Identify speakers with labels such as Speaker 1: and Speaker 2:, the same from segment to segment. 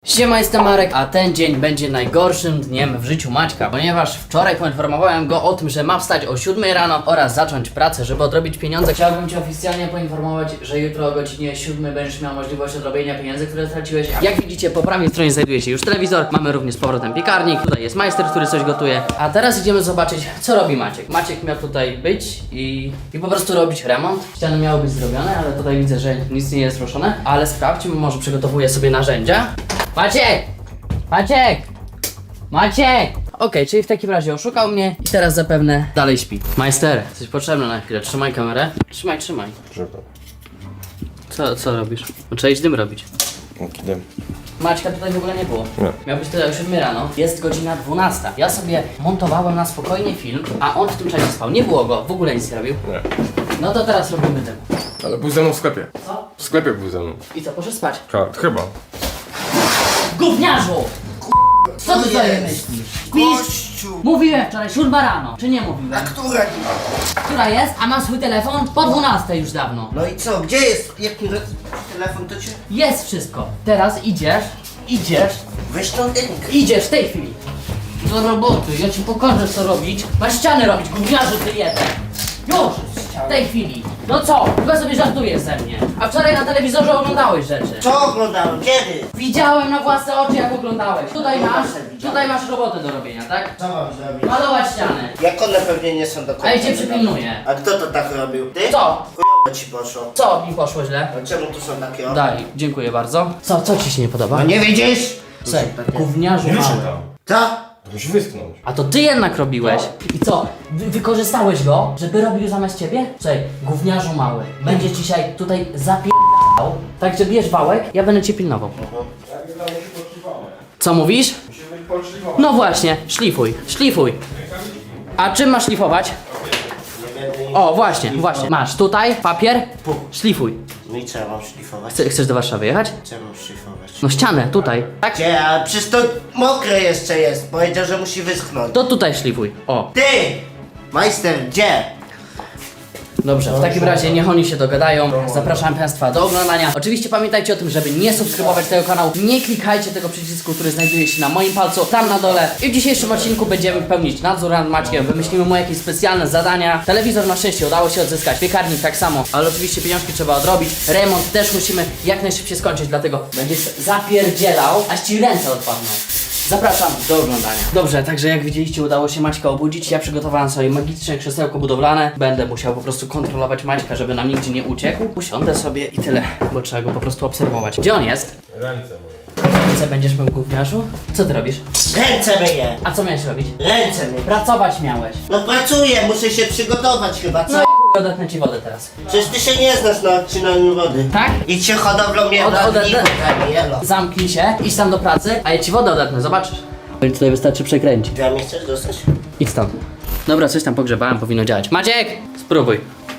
Speaker 1: Siema, jestem Marek, a ten dzień będzie najgorszym dniem w życiu Maćka, ponieważ wczoraj poinformowałem go o tym, że ma wstać o 7 rano oraz zacząć pracę, żeby odrobić pieniądze. Chciałbym Cię oficjalnie poinformować, że jutro o godzinie 7 będziesz miał możliwość odrobienia pieniędzy, które straciłeś. Jak widzicie, po prawej stronie znajduje się już telewizor, mamy również z powrotem piekarnik, tutaj jest majster, który coś gotuje. A teraz idziemy zobaczyć, co robi Maciek. Maciek miał tutaj być i po prostu robić remont. Ściany miały być zrobione, ale tutaj widzę, że nic nie jest ruszone. Ale sprawdźmy, może przygotowuje sobie narzędzia. Maciek! Maciek! Maciek! Okej, czyli w takim razie oszukał mnie i teraz zapewne dalej śpi. Majster, jesteś potrzebny na chwilę. Trzymaj kamerę. Trzymaj. Co robisz? Trzeba iść dym robić.
Speaker 2: Dym.
Speaker 1: Maćka tutaj w ogóle nie było.
Speaker 2: Nie.
Speaker 1: Miał być tutaj o 7 rano. Jest godzina 12. Ja sobie montowałem na spokojnie film, a on w tym czasie spał. Nie było go, w ogóle nic nie robił.
Speaker 2: Nie.
Speaker 1: No to teraz robimy dym.
Speaker 2: Ale był ze mną w sklepie.
Speaker 1: Co?
Speaker 2: W sklepie był ze mną.
Speaker 1: I co, poszedł spać?
Speaker 2: Chyba.
Speaker 1: Gówniarzu! Co ty sobie myślisz?
Speaker 3: Gościu!
Speaker 1: Mówiłem wczoraj 7 rano, czy nie mówiłem?
Speaker 3: A która?
Speaker 1: Która jest? A ma swój telefon? Po 12 już dawno.
Speaker 3: No i co? Gdzie jest? Jaki telefon to cię?
Speaker 1: Jest wszystko. Teraz idziesz,
Speaker 3: Weź tą dynkę.
Speaker 1: idziesz w tej chwili. Do roboty, ja ci pokażę co robić. Masz ściany robić, gówniarzu ty jeden. Już! W tej chwili. No co? Chyba sobie żartujesz ze mnie. A wczoraj na telewizorze oglądałeś rzeczy.
Speaker 3: Co oglądałem? Kiedy?
Speaker 1: Widziałem na własne oczy jak oglądałeś. Tutaj masz robotę do robienia, tak?
Speaker 3: Co mam zrobić?
Speaker 1: Malować ściany.
Speaker 3: Jak one pewnie nie są do końca.
Speaker 1: A ja cię przypilnuję.
Speaker 3: A kto to tak robił? Ty?
Speaker 1: Co?
Speaker 3: Chujowo ci poszło.
Speaker 1: Co mi poszło źle?
Speaker 3: A czemu tu są takie o?
Speaker 1: Daj, dziękuję bardzo. Co ci się nie podoba?
Speaker 3: No nie widzisz?
Speaker 1: Słuchaj, gówniarzu mały.
Speaker 3: Co?
Speaker 2: To musi wyschnąć.
Speaker 1: A to ty jednak robiłeś. I co? Wykorzystałeś go, żeby robił zamiast ciebie? Słuchaj, gówniarzu mały. Będziesz dzisiaj tutaj zapierdał. Także bierz wałek, ja będę cię pilnował. Co mówisz? No właśnie, szlifuj. A czym masz szlifować? O, właśnie. Masz tutaj papier, szlifuj.
Speaker 3: No i co ja mam szlifować?
Speaker 1: Chcesz do Warszawy jechać?
Speaker 3: Co ja mam szlifować?
Speaker 1: No ścianę, tutaj. Tak?
Speaker 3: Gdzie? A przecież to mokre jeszcze jest. Powiedział, że musi wyschnąć.
Speaker 1: To tutaj szlifuj. O.
Speaker 3: Ty! Majster, gdzie?
Speaker 1: Dobrze, w takim razie niech oni się dogadają. Zapraszam Państwa do oglądania. Oczywiście pamiętajcie o tym, żeby nie subskrybować tego kanału. Nie klikajcie tego przycisku, który znajduje się na moim palcu, tam na dole. I w dzisiejszym odcinku będziemy pełnić nadzór nad Maćkiem. Wymyślimy mu jakieś specjalne zadania. Telewizor na szczęście udało się odzyskać, piekarnik tak samo, ale oczywiście pieniążki trzeba odrobić. Remont też musimy jak najszybciej skończyć, dlatego będziesz zapierdzielał, aż ci ręce odpadną. Zapraszam do oglądania. Dobrze, także jak widzieliście, udało się Maćka obudzić. Ja przygotowałem sobie magiczne krzesełko budowlane. Będę musiał po prostu kontrolować Maćka, żeby nam nigdzie nie uciekł. Usiądę sobie i tyle, bo trzeba go po prostu obserwować. Gdzie on jest?
Speaker 2: Ręce moje.
Speaker 1: Ręce będziesz mył, gówniarzu? Co ty robisz?
Speaker 3: Ręce myję!
Speaker 1: A co miałeś robić?
Speaker 3: Ręce myję!
Speaker 1: Pracować miałeś.
Speaker 3: No pracuję, muszę się przygotować chyba, co?
Speaker 1: No i chuj, odetnę ci wodę teraz.
Speaker 3: Przecież ty się nie znasz na odcinaniu wody.
Speaker 1: Tak?
Speaker 3: Idź się hodowlą mnie do
Speaker 1: Odetnę.
Speaker 3: jelo.
Speaker 1: Zamknij się, idź tam do pracy, a ja ci wodę odetnę, zobaczysz. Tutaj wystarczy przekręcić.
Speaker 3: Ja mnie chcesz dostać?
Speaker 1: Idź stąd. Dobra, coś tam pogrzebałem, powinno działać. Maciek! Spróbuj.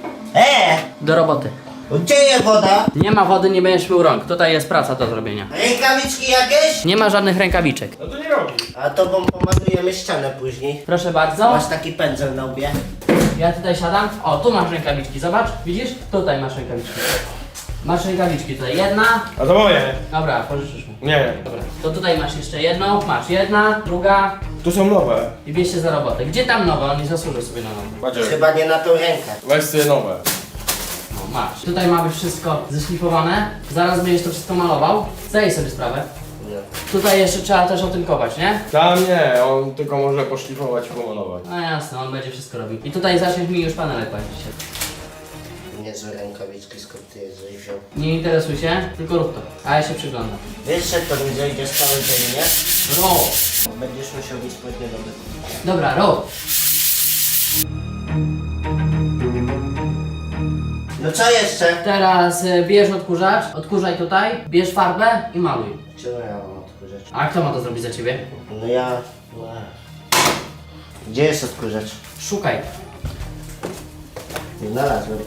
Speaker 1: Do roboty.
Speaker 3: Gdzie jest woda?
Speaker 1: Nie ma wody, nie będziesz mył rąk. Tutaj jest praca do zrobienia.
Speaker 3: Rękawiczki jakieś?
Speaker 1: Nie ma żadnych rękawiczek.
Speaker 2: No to nie robi.
Speaker 3: A to bo pomalujemy ścianę później.
Speaker 1: Proszę bardzo.
Speaker 3: Masz taki pędzel na łbie.
Speaker 1: Ja tutaj siadam. O, tu masz rękawiczki, zobacz. Widzisz? Tutaj masz rękawiczki. Masz rękawiczki tutaj. Jedna.
Speaker 2: A to moje.
Speaker 1: Dobra, pożyczysz mi.
Speaker 2: Nie.
Speaker 1: Dobra. To tutaj masz jeszcze jedną. Masz jedna, druga.
Speaker 2: Tu są nowe.
Speaker 1: I bierz się za robotę. Gdzie tam nowe? On nie zasłużył sobie na nowe.
Speaker 2: Macie.
Speaker 3: Chyba nie na tą rękę.
Speaker 2: Weź sobie nowe.
Speaker 1: No, masz. Tutaj ma być wszystko zeszlifowane. Zaraz będziesz to wszystko malował. Zdaj sobie sprawę.
Speaker 3: Nie.
Speaker 1: Tutaj jeszcze trzeba też otynkować, nie?
Speaker 2: Tam nie, on tylko może poszlifować i pomalować.
Speaker 1: No jasne, on będzie wszystko robił. I tutaj zaczniesz mi już panele kłaść się.
Speaker 3: Niezłe rękawiczki, skąd ty je wziął?
Speaker 1: Nie interesuj się, tylko rób to. A ja się przyglądam.
Speaker 3: Wiesz, że to mi zejdzie z cały dzień, nie?
Speaker 1: Rób!
Speaker 3: Będziesz musiał mieć spodnie do bytu.
Speaker 1: Dobra, rób!
Speaker 3: No co jeszcze?
Speaker 1: Teraz bierz odkurzacz, odkurzaj tutaj, bierz farbę i maluj.
Speaker 3: Czemu ja mam odkurzacz?
Speaker 1: A kto ma to zrobić za ciebie?
Speaker 3: No ja... Gdzie jest odkurzacz?
Speaker 1: Szukaj.
Speaker 3: Nie znalazłem.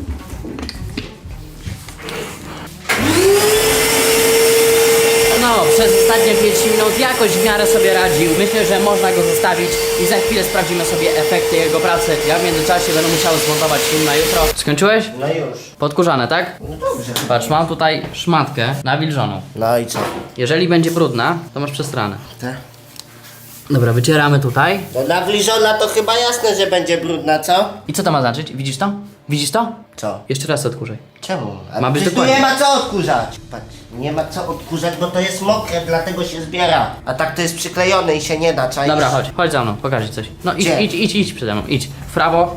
Speaker 1: No, przez ostatnie 5 minut jakoś w miarę sobie radził. Myślę, że można go zostawić i za chwilę sprawdzimy sobie efekty jego pracy. Ja w międzyczasie będę musiał zmontować film na jutro. Skończyłeś?
Speaker 3: No już.
Speaker 1: Podkurzane, tak?
Speaker 3: No dobrze.
Speaker 1: Patrz, mam tutaj szmatkę nawilżoną.
Speaker 3: No i co?
Speaker 1: Jeżeli będzie brudna, to masz przestranę.
Speaker 3: Te?
Speaker 1: Dobra, wycieramy tutaj.
Speaker 3: No nawilżona to chyba jasne, że będzie brudna, co?
Speaker 1: I co to ma znaczyć? Widzisz to? Widzisz to?
Speaker 3: Co?
Speaker 1: Jeszcze raz odkurzaj.
Speaker 3: Czemu? A
Speaker 1: Ma być
Speaker 3: przecież tu
Speaker 1: dokładnie.
Speaker 3: nie ma co odkurzać. Patrz, nie ma co odkurzać, bo to jest mokre, dlatego się zbiera. A tak to jest przyklejone i się nie da, czaisz?
Speaker 1: Dobra, chodź za mną, pokażę ci coś. No idź,
Speaker 3: Gdzie?
Speaker 1: idź przede mną, idź. W prawo,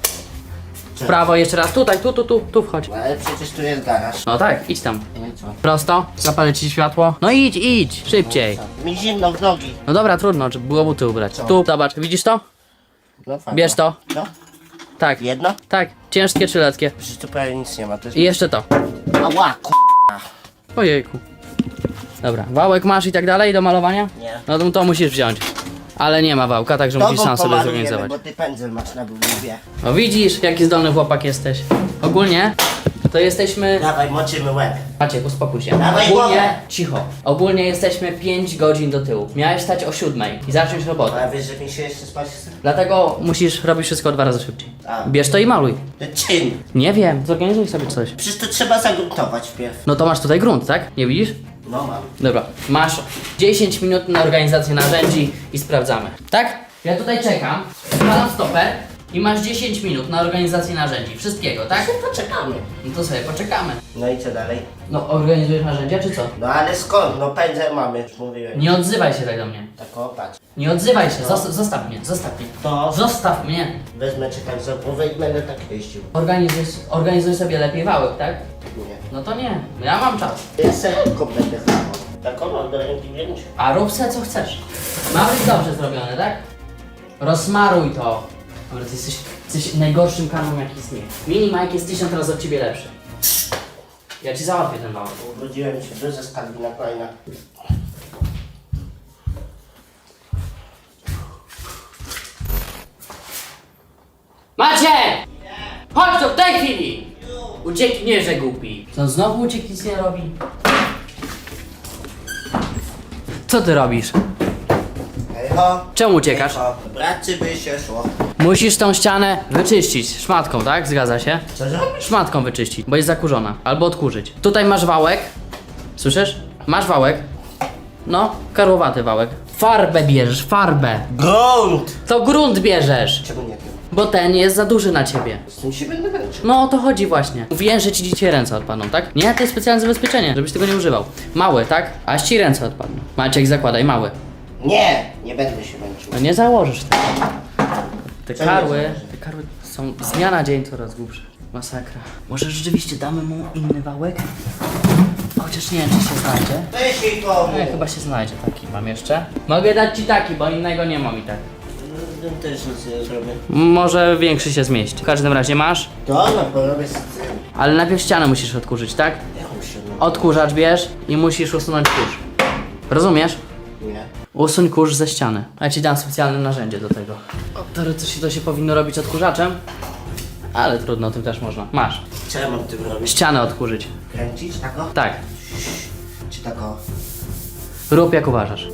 Speaker 1: w
Speaker 3: Co?
Speaker 1: prawo, jeszcze raz, tutaj, tu wchodź.
Speaker 3: No, ale przecież tu jest garaż.
Speaker 1: No tak, idź tam.
Speaker 3: No i co?
Speaker 1: Prosto, zapalę ci światło. No idź, szybciej.
Speaker 3: Mi zimno w nogi.
Speaker 1: No dobra, trudno, trzeba było buty ubrać. Tu, zobacz, widzisz to?
Speaker 3: No fajnie.
Speaker 1: Bierz to.
Speaker 3: No?
Speaker 1: Tak,
Speaker 3: Jedno?
Speaker 1: tak, ciężkie czy letkie.
Speaker 3: Przecież tu prawie nic nie ma. To jest...
Speaker 1: I jeszcze to.
Speaker 3: Ała,
Speaker 1: Ojejku. Dobra, wałek masz i tak dalej do malowania?
Speaker 3: Nie.
Speaker 1: No to musisz wziąć. Ale nie ma wałka, także musisz sam sobie zorganizować.
Speaker 3: bo ty pędzel masz na bułbie.
Speaker 1: No widzisz, jaki zdolny chłopak jesteś. Ogólnie to jesteśmy...
Speaker 3: Dawaj, moczymy łeb.
Speaker 1: Maciek, uspokój się.
Speaker 3: Dawaj głowę.
Speaker 1: Ogólnie, cicho. Ogólnie jesteśmy 5 godzin do tyłu. Miałeś stać o 7 i zacząć robotę.
Speaker 3: A wiesz, że mi się jeszcze spać chce?
Speaker 1: Dlatego musisz robić wszystko 2 razy szybciej.
Speaker 3: A.
Speaker 1: Bierz to i maluj.
Speaker 3: To czym?
Speaker 1: Nie wiem, zorganizuj sobie coś.
Speaker 3: Przecież to trzeba zagruntować wpierw.
Speaker 1: No to masz tutaj grunt, tak? Nie widzisz?
Speaker 3: No mam.
Speaker 1: Dobra, masz 10 minut na organizację narzędzi i sprawdzamy. Tak? Ja tutaj czekam, wkładam stoper i masz 10 minut na organizację narzędzi. Wszystkiego, tak?
Speaker 3: Poczekamy.
Speaker 1: No to sobie poczekamy.
Speaker 3: No i co dalej?
Speaker 1: No organizujesz narzędzia czy co?
Speaker 3: No ale skąd? No pędzel mamy, już mówiłem.
Speaker 1: Nie odzywaj się tak do mnie.
Speaker 3: Tak o, patrz.
Speaker 1: Nie odzywaj się, zostaw mnie, zostaw mnie.
Speaker 3: To
Speaker 1: Zostaw mnie.
Speaker 3: wezmę czy tak za głowę i będę tak jeździł.
Speaker 1: Organizuj sobie lepiej wałek, tak?
Speaker 3: Nie.
Speaker 1: No to nie, ja mam czas.
Speaker 3: Ja serko będę chlamał. Tak ono, do ręki wziąć.
Speaker 1: A rób se co chcesz. Ma być dobrze zrobione, tak? Rozmaruj to. Dobra, ty jesteś najgorszym kaną jaki istnieje. Mini Mike jest 1000 razy od ciebie lepszy. Ja ci załatwię ten wałek.
Speaker 3: Urodziłem się duże skargi na kolejna.
Speaker 1: Macie! Chodź tu w tej chwili! Ucieknierze głupi. Co, znowu uciekł, nic nie robi? Co ty robisz?
Speaker 3: Echo.
Speaker 1: Czemu uciekasz?
Speaker 3: Echo. Bracy by się szło.
Speaker 1: Musisz tą ścianę wyczyścić szmatką, tak? Zgadza się?
Speaker 3: Co zrobisz?
Speaker 1: Szmatką wyczyścić, bo jest zakurzona. Albo odkurzyć. Tutaj masz wałek. Słyszysz? Masz wałek. No, karłowaty wałek. Farbę bierzesz, farbę.
Speaker 3: Grunt!
Speaker 1: To grunt bierzesz.
Speaker 3: Czemu nie wiem?
Speaker 1: Bo ten jest za duży na ciebie.
Speaker 3: Z tym się będę męczył.
Speaker 1: No o to chodzi właśnie. Mówiłem, że ci dzisiaj ręce odpadną, tak? Nie, to jest specjalne zabezpieczenie, żebyś tego nie używał. Mały, tak? Aż ci ręce odpadną. Maciek, zakładaj, mały.
Speaker 3: Nie, nie będę się męczył.
Speaker 1: No nie założysz tego. Te
Speaker 3: Co nie
Speaker 1: karły,
Speaker 3: założę?
Speaker 1: te karły są z dnia na dzień coraz głupsze. Masakra. Może rzeczywiście damy mu inny wałek? Chociaż nie wiem, czy się znajdzie.
Speaker 3: Weź jej komu.
Speaker 1: No, chyba się znajdzie taki. Mam jeszcze? Mogę dać ci taki, bo innego nie mam i tak.
Speaker 3: Też nic nie zrobię.
Speaker 1: Może większy się zmieści. W każdym razie masz,
Speaker 3: To no, porobię z tym.
Speaker 1: ale najpierw ścianę musisz odkurzyć, tak?
Speaker 3: Jaką się no?
Speaker 1: Odkurzacz bierz i musisz usunąć kurz. Rozumiesz?
Speaker 3: Nie.
Speaker 1: Usuń kurz ze ściany. A ja ci dam specjalne narzędzie do tego. Teoretycznie to się powinno robić odkurzaczem, ale trudno, tym też można. Masz.
Speaker 3: Co ja mam tym robić?
Speaker 1: Ścianę odkurzyć.
Speaker 3: Kręcić tak o?
Speaker 1: Tak.
Speaker 3: Czy tak o?
Speaker 1: Rób jak uważasz.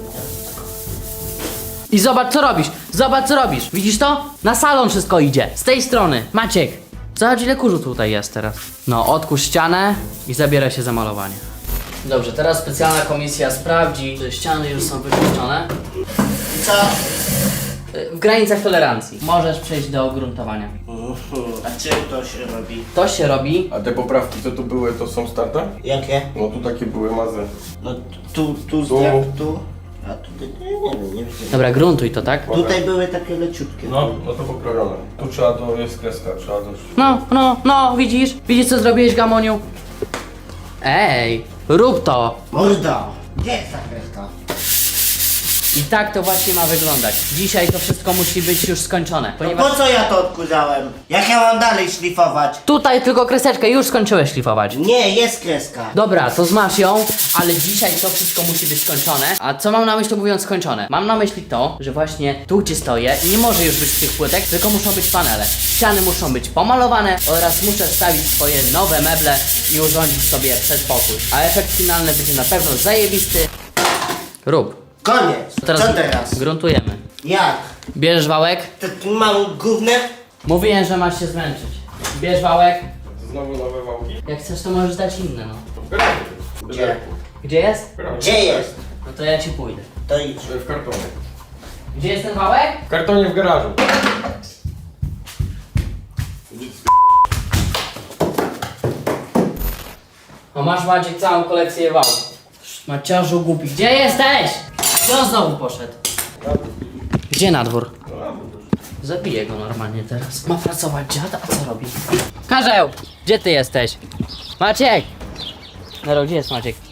Speaker 1: I zobacz co robisz! Zobacz co robisz! Widzisz to? Na salon wszystko idzie. Z tej strony. Maciek! Zobacz ile kurzu tutaj jest teraz. No, odkurz ścianę i zabieraj się za malowanie. Dobrze, teraz specjalna komisja sprawdzi, czy ściany już są wyczyszczone.
Speaker 3: I co?
Speaker 1: W granicach tolerancji. Możesz przejść do gruntowania.
Speaker 3: A czym to się robi?
Speaker 1: To się robi.
Speaker 2: A te poprawki, co tu były, to są starte?
Speaker 3: Jakie?
Speaker 2: No tu takie były mazy.
Speaker 3: No tu
Speaker 2: Tu.
Speaker 3: tu. A tutaj nie wiem, nie wiem.
Speaker 1: Dobra, gruntuj to, tak?
Speaker 3: Tutaj były takie leciutkie.
Speaker 2: No to poprawione. Tu trzeba jest kreska, trzeba
Speaker 1: No, widzisz? Widzisz co zrobiłeś, Gamoniu? Ej, rób to!
Speaker 3: Morda! Gdzie jest ta kreska?
Speaker 1: I tak to właśnie ma wyglądać. Dzisiaj to wszystko musi być już skończone,
Speaker 3: No
Speaker 1: ponieważ
Speaker 3: po co ja to odkurzałem? Jak ja mam dalej szlifować?
Speaker 1: tutaj tylko kreseczkę już skończyłeś szlifować.
Speaker 3: Nie, jest kreska.
Speaker 1: Dobra, to zmasz ją, ale dzisiaj to wszystko musi być skończone. A co mam na myśli mówiąc skończone? Mam na myśli to, że właśnie tu gdzie stoję nie może już być tych płytek, tylko muszą być panele. Ściany muszą być pomalowane oraz muszę wstawić swoje nowe meble i urządzić sobie przedpokój. A efekt finalny będzie na pewno zajebisty. Rób.
Speaker 3: Koniec. Co teraz?
Speaker 1: Gruntujemy.
Speaker 3: Jak?
Speaker 1: Bierzesz wałek?
Speaker 3: Takim małym gównem?
Speaker 1: Mówiłem, że masz się zmęczyć. Bierz wałek.
Speaker 2: To znowu nowe wałki?
Speaker 1: Jak chcesz, to możesz dać inne, no.
Speaker 2: W garażu.
Speaker 3: Gdzie?
Speaker 1: Gdzie jest?
Speaker 2: W garażu.
Speaker 3: Gdzie jest?
Speaker 1: No to ja ci pójdę.
Speaker 3: To idź.
Speaker 2: W kartonie.
Speaker 1: Gdzie jest ten wałek?
Speaker 2: W kartonie w garażu.
Speaker 1: O, masz Maciek całą kolekcję wałków. Maciarzu głupi. Gdzie jesteś? Gdzie on znowu poszedł? Gdzie na dwór? Zabiję go normalnie teraz. Ma pracować dziad, a co robi? Karzeł! Gdzie ty jesteś? Maciek! Nero, gdzie jest Maciek?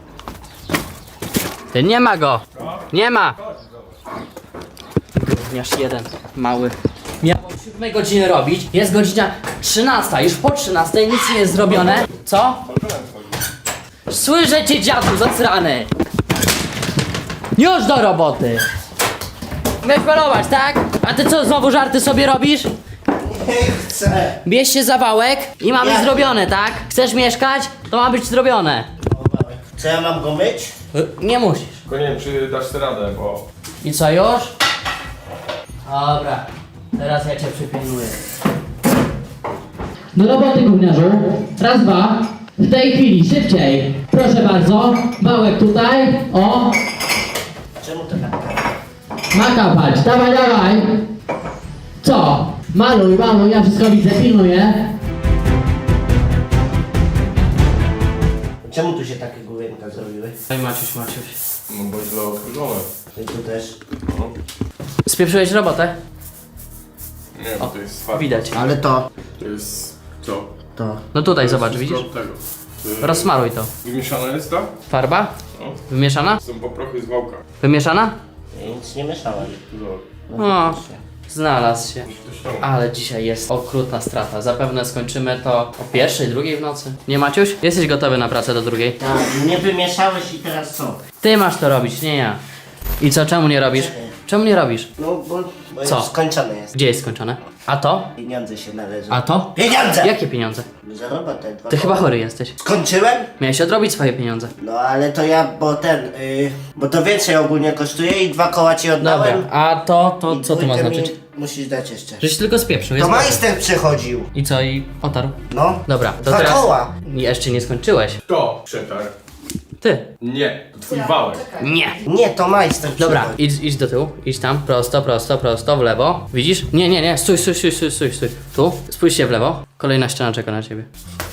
Speaker 1: Ty nie ma go! Nie ma! Gówniarz jeden, mały. Miał o 7 godziny robić, jest godzina 13, już po 13 nic nie jest zrobione. Co? Słyszę cię, dziadu, zasrany! Już do roboty! Miałeś malować, tak? A ty co, znowu żarty sobie robisz?
Speaker 3: Nie chcę.
Speaker 1: Bierz się za wałek i ma być
Speaker 3: Jak?
Speaker 1: zrobione, tak? Chcesz mieszkać? To ma być zrobione.
Speaker 3: Co ja mam go myć?
Speaker 1: Nie musisz.
Speaker 2: Tylko nie wiem, czy dasz sobie radę, bo...
Speaker 1: I co, już? Dobra, teraz ja cię przypilnuję. Do roboty, gówniarzu. Raz, dwa. W tej chwili, szybciej. Proszę bardzo. Wałek tutaj. O,
Speaker 3: Czemu to tak?
Speaker 1: ma kapać. Dawaj, dawaj. Co? Maluj, maluj, ja wszystko widzę, pilnuję.
Speaker 3: Czemu tu się takie główienka zrobiły?
Speaker 1: Oj, Maciuś, Maciuś.
Speaker 2: No bo źle okrużone.
Speaker 3: I tu też.
Speaker 2: No.
Speaker 1: Spieprzyłeś robotę?
Speaker 2: Nie, bo to jest farba.
Speaker 1: Widać.
Speaker 3: Ale to.
Speaker 2: To jest... Co?
Speaker 3: To.
Speaker 1: No tutaj, zobacz,
Speaker 2: To jest
Speaker 1: widzisz?
Speaker 2: wszystko od tego.
Speaker 1: Rozsmaruj to.
Speaker 2: Wymieszana jest ta?
Speaker 1: Farba?
Speaker 2: No.
Speaker 1: Wymieszana?
Speaker 2: Są poprochy z wałka.
Speaker 1: Wymieszana?
Speaker 3: Ja nic nie mieszałem.
Speaker 2: Zobacz.
Speaker 1: O, znalazł się.
Speaker 2: Ktoś tam.
Speaker 1: Ale dzisiaj jest okrutna strata. Zapewne skończymy to o 1:00, 2:00 w nocy. Nie, Maciuś? Jesteś gotowy na pracę do 2:00?
Speaker 3: Tak, nie wymieszałeś i teraz co?
Speaker 1: Ty masz to robić, nie ja. I co, czemu nie robisz? Czemu nie robisz?
Speaker 3: No bo
Speaker 1: Co?
Speaker 3: już skończone jest.
Speaker 1: Gdzie jest skończone? A to?
Speaker 3: Pieniądze się należą.
Speaker 1: A to?
Speaker 3: Pieniądze!
Speaker 1: Jakie pieniądze?
Speaker 3: Za robotę.
Speaker 1: Ty chyba chory jesteś.
Speaker 3: Skończyłem?
Speaker 1: Miałeś odrobić swoje pieniądze.
Speaker 3: No ale to ja, bo to więcej ogólnie kosztuje i 2 koła ci
Speaker 1: Dobra,
Speaker 3: oddałem.
Speaker 1: a to
Speaker 3: I
Speaker 1: co to ma
Speaker 3: dwójkę
Speaker 1: znaczyć?
Speaker 3: mi musisz dać jeszcze.
Speaker 1: Żeś tylko spieprzył,
Speaker 3: To
Speaker 1: jest dobrze.
Speaker 3: majster przychodził.
Speaker 1: I co, i otarł?
Speaker 3: No.
Speaker 1: Dobra, to
Speaker 3: 2
Speaker 1: teraz...
Speaker 3: koła.
Speaker 1: Jeszcze nie skończyłeś.
Speaker 2: Kto przetarł?
Speaker 1: Ty.
Speaker 2: Nie, to twój wałek.
Speaker 1: Nie.
Speaker 3: Nie, to majster
Speaker 1: Dobra,
Speaker 3: przychodzi.
Speaker 1: idź do tyłu, idź tam, prosto, prosto, prosto, w lewo. Widzisz? Nie, stój. Tu, spójrz się w lewo. Kolejna ściana czeka na ciebie.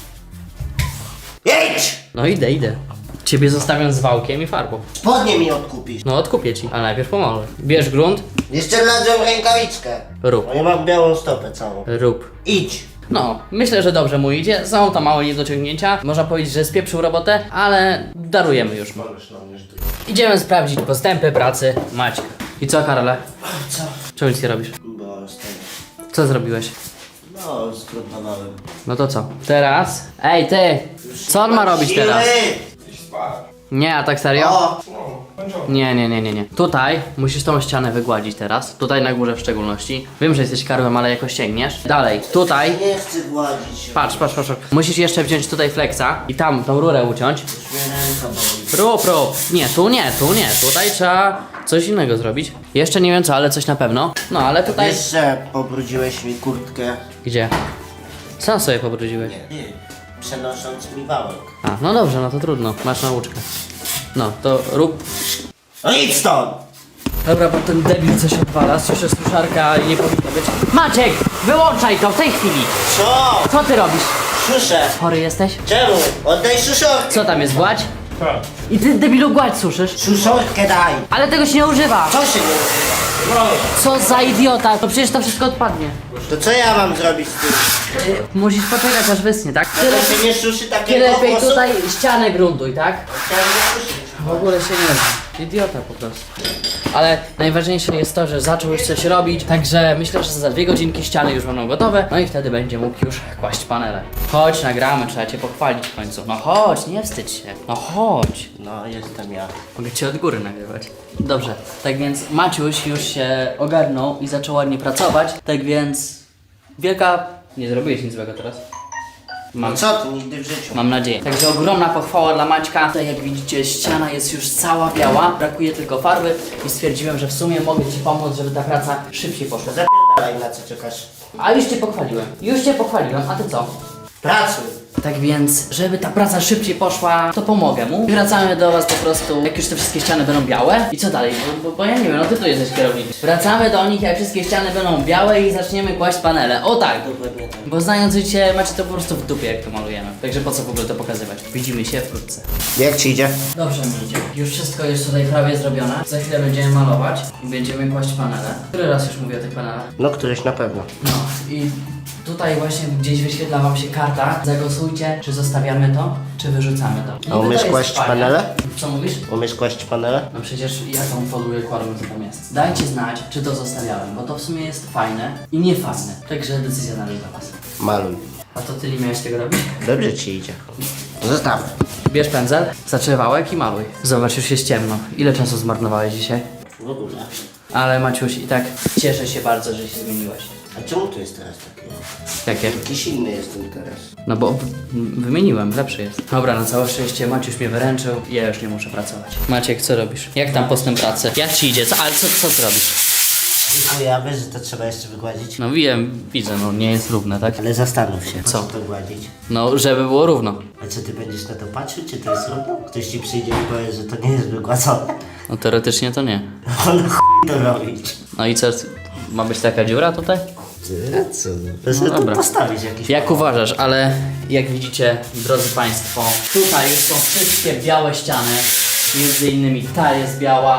Speaker 3: Jedź!
Speaker 1: No idę. Ciebie zostawiam z wałkiem i farbą.
Speaker 3: Spodnie mi odkupisz.
Speaker 1: No odkupię ci, ale najpierw pomogę. Bierz grunt,
Speaker 3: Jeszcze wlazłem rękawiczkę.
Speaker 1: rób,
Speaker 3: No ja mam białą stopę całą.
Speaker 1: rób.
Speaker 3: Idź.
Speaker 1: No, myślę, że dobrze mu idzie. Są to małe niedociągnięcia. Można powiedzieć, że spieprzył robotę, ale darujemy już mu.
Speaker 2: Możesz na mnie, że ty...
Speaker 1: Idziemy sprawdzić postępy pracy Maćka. I co, Karole?
Speaker 3: Co?
Speaker 1: Czemu nic nie robisz?
Speaker 3: Bo z tego.
Speaker 1: Co zrobiłeś?
Speaker 3: No, zgrudowałem.
Speaker 1: No to co? Teraz? Ej, ty! Co on ma robić teraz?
Speaker 2: Idź spać.
Speaker 1: Nie, a tak serio?
Speaker 3: O!
Speaker 2: No, kończone.
Speaker 1: Nie. Tutaj musisz tą ścianę wygładzić teraz. Tutaj na górze w szczególności. Wiem, że jesteś karłem, ale jakoś sięgniesz. Dalej, tutaj.
Speaker 3: Nie chcę gładzić.
Speaker 1: Patrz. Musisz jeszcze wziąć tutaj flexa i tam tą rurę uciąć.
Speaker 3: Już mnie ręka boli.
Speaker 1: Rób. Nie, tu nie. Tutaj trzeba coś innego zrobić. Jeszcze nie wiem co, ale coś na pewno. No, ale tutaj...
Speaker 3: Wiesz, że pobrudziłeś mi kurtkę.
Speaker 1: Gdzie? Sam sobie pobrudziłeś.
Speaker 3: Nie, ty. Przenosząc mi wałek.
Speaker 1: A, no dobrze, no to trudno. Masz nauczkę. No, to rób.
Speaker 3: No idź stąd!
Speaker 1: Dobra, bo ten debil coś odwala. Słyszę suszarka i nie powinno być. Maciek! Wyłączaj to w tej chwili!
Speaker 3: Co?
Speaker 1: Co ty robisz?
Speaker 3: Suszę.
Speaker 1: Chory jesteś?
Speaker 3: Czemu? Oddaj suszorkę.
Speaker 1: Co tam jest, gładź?
Speaker 2: Tak.
Speaker 1: I ty debilu gładź suszysz?
Speaker 3: Suszorkę daj.
Speaker 1: Ale tego się nie używa!
Speaker 3: Co się nie używa?
Speaker 1: Co za idiota! To przecież to wszystko odpadnie.
Speaker 3: To co ja mam zrobić z tym?
Speaker 1: Musisz poczekać aż wysnie, tak?
Speaker 3: No to się nie suszy
Speaker 1: Ty
Speaker 3: takiego
Speaker 1: lepiej
Speaker 3: głosu?
Speaker 1: tutaj ścianę gruntuj, tak?
Speaker 3: Chciałem nie suszyć.
Speaker 1: W ogóle się nie da. Idiota po prostu. Ale najważniejsze jest to, że zaczął już coś robić, także myślę, że za 2 godzinki ściany już będą gotowe, no i wtedy będzie mógł już kłaść panele. Chodź, nagramy, trzeba cię pochwalić w końcu. No chodź, nie wstydź się. No chodź.
Speaker 3: No, jestem ja.
Speaker 1: Mogę cię od góry nagrywać. Dobrze, tak więc Maciuś już się ogarnął i zaczął ładnie pracować, tak więc... Wielka... Nie zrobiłeś nic złego teraz.
Speaker 3: No co ty, nigdy w życiu.
Speaker 1: Mam nadzieję. Także ogromna pochwała dla Maćka. Tutaj jak widzicie ściana jest już cała biała, brakuje tylko farby i stwierdziłem, że w sumie mogę Ci pomóc, żeby ta praca szybciej poszła.
Speaker 3: Zapierdalaj, na co czekasz.
Speaker 1: A już Cię pochwaliłem, a Ty co?
Speaker 3: Pracuj.
Speaker 1: Tak więc, żeby ta praca szybciej poszła, to pomogę mu. I wracamy do Was po prostu, jak już te wszystkie ściany będą białe. I co dalej? Bo ja nie wiem, no Ty tu jesteś kierownikiem. Wracamy do nich, jak wszystkie ściany będą białe i zaczniemy kłaść panele. O tak!
Speaker 3: Dokładnie tak.
Speaker 1: Bo znając życie, macie to po prostu w dupie, jak to malujemy. Także po co w ogóle to pokazywać? Widzimy się wkrótce.
Speaker 3: Jak ci idzie?
Speaker 1: Dobrze mi idzie. Już wszystko jest tutaj prawie zrobione. Za chwilę będziemy malować i będziemy kłaść panele. Który raz już mówię o tych panelach?
Speaker 3: No któryś na pewno.
Speaker 1: No i tutaj właśnie gdzieś wyświetla Wam się karta. Zagłosujcie, czy zostawiamy to, czy wyrzucamy to.
Speaker 3: A
Speaker 1: Niby
Speaker 3: umiesz
Speaker 1: to jest
Speaker 3: kłaść
Speaker 1: fajne.
Speaker 3: panele?
Speaker 1: Co mówisz?
Speaker 3: Umiesz kłaść panele?
Speaker 1: No przecież ja tą foluję kładłem, co tam jest. Dajcie znać, czy to zostawiałem, bo to w sumie jest fajne i niefajne. Także decyzja należy do Was.
Speaker 3: Maluj.
Speaker 1: A to Ty nie miałeś tego robić?
Speaker 3: Dobrze ci idzie. Zostawmy.
Speaker 1: Bierz pędzel, zaczep wałek i maluj. Zobacz, już jest ciemno. Ile czasu zmarnowałeś dzisiaj?
Speaker 3: W ogóle.
Speaker 1: Ale Maciuś, i tak cieszę się bardzo, że się zmieniłeś.
Speaker 3: A czemu tu jest teraz takie?
Speaker 1: Jakie?
Speaker 3: Jakiś inny jestem teraz.
Speaker 1: No bo wymieniłem, lepszy jest. Dobra, na całe szczęście Maciuś mnie wyręczył i ja już nie muszę pracować. Maciek, co robisz? Jak tam postęp pracy? Jak ci idzie? Ale co ty robisz?
Speaker 3: Dziękuję, a wiesz, że to trzeba jeszcze wygładzić?
Speaker 1: No wiem, widzę, no nie jest równe, tak?
Speaker 3: Ale zastanów się,
Speaker 1: Co?
Speaker 3: po to gładzić.
Speaker 1: No, żeby było równo.
Speaker 3: A co, ty będziesz na to patrzył, czy to jest równo? Ktoś ci przyjdzie i powie, że to nie jest wygładzone.
Speaker 1: No teoretycznie to nie.
Speaker 3: On chuj to robić.
Speaker 1: No i co? Ma być taka dziura tutaj?
Speaker 3: Ty, co? To sobie
Speaker 1: No
Speaker 3: tu
Speaker 1: dobra.
Speaker 3: postawić jakiś...
Speaker 1: Jak uważasz, ale jak widzicie, drodzy Państwo, tutaj już są wszystkie białe ściany. Między innymi ta jest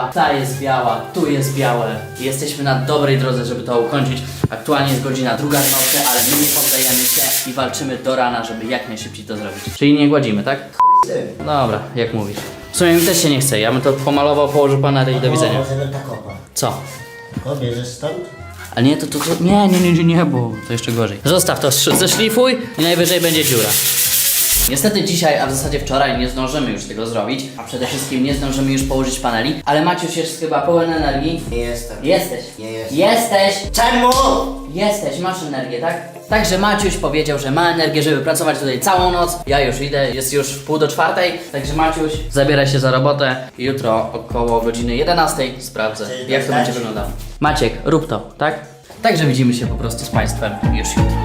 Speaker 1: biała, tu jest białe. I jesteśmy na dobrej drodze, żeby to ukończyć. Aktualnie jest godzina 2 w nocy, ale my nie poddajemy się i walczymy do rana, żeby jak najszybciej to zrobić. Czyli nie gładzimy, tak? Dobra, jak mówisz. W sumie mi też się nie chce, ja bym to pomalował, położył panele i do widzenia.
Speaker 3: Możemy tak opa.
Speaker 1: Co?
Speaker 3: O, bierzesz stąd?
Speaker 1: A nie, to nie, bo to jeszcze gorzej. Zostaw to, zeszlifuj i najwyżej będzie dziura. Niestety dzisiaj, a w zasadzie wczoraj nie zdążymy już tego zrobić, a przede wszystkim nie zdążymy już położyć paneli, ale Maciuś jest chyba pełen energii.
Speaker 3: Nie jestem.
Speaker 1: Jesteś.
Speaker 3: Nie jestem.
Speaker 1: Jesteś.
Speaker 3: Czemu?
Speaker 1: Jesteś, masz energię, tak? Także Maciuś powiedział, że ma energię, żeby pracować tutaj całą noc. Ja już idę, jest już 3:30, także Maciuś, zabieraj się za robotę. Jutro około godziny 11 sprawdzę,
Speaker 3: Chcesz
Speaker 1: jak to
Speaker 3: dostać?
Speaker 1: będzie wyglądało. Maciek, rób to, tak? Także widzimy się po prostu z Państwem już jutro.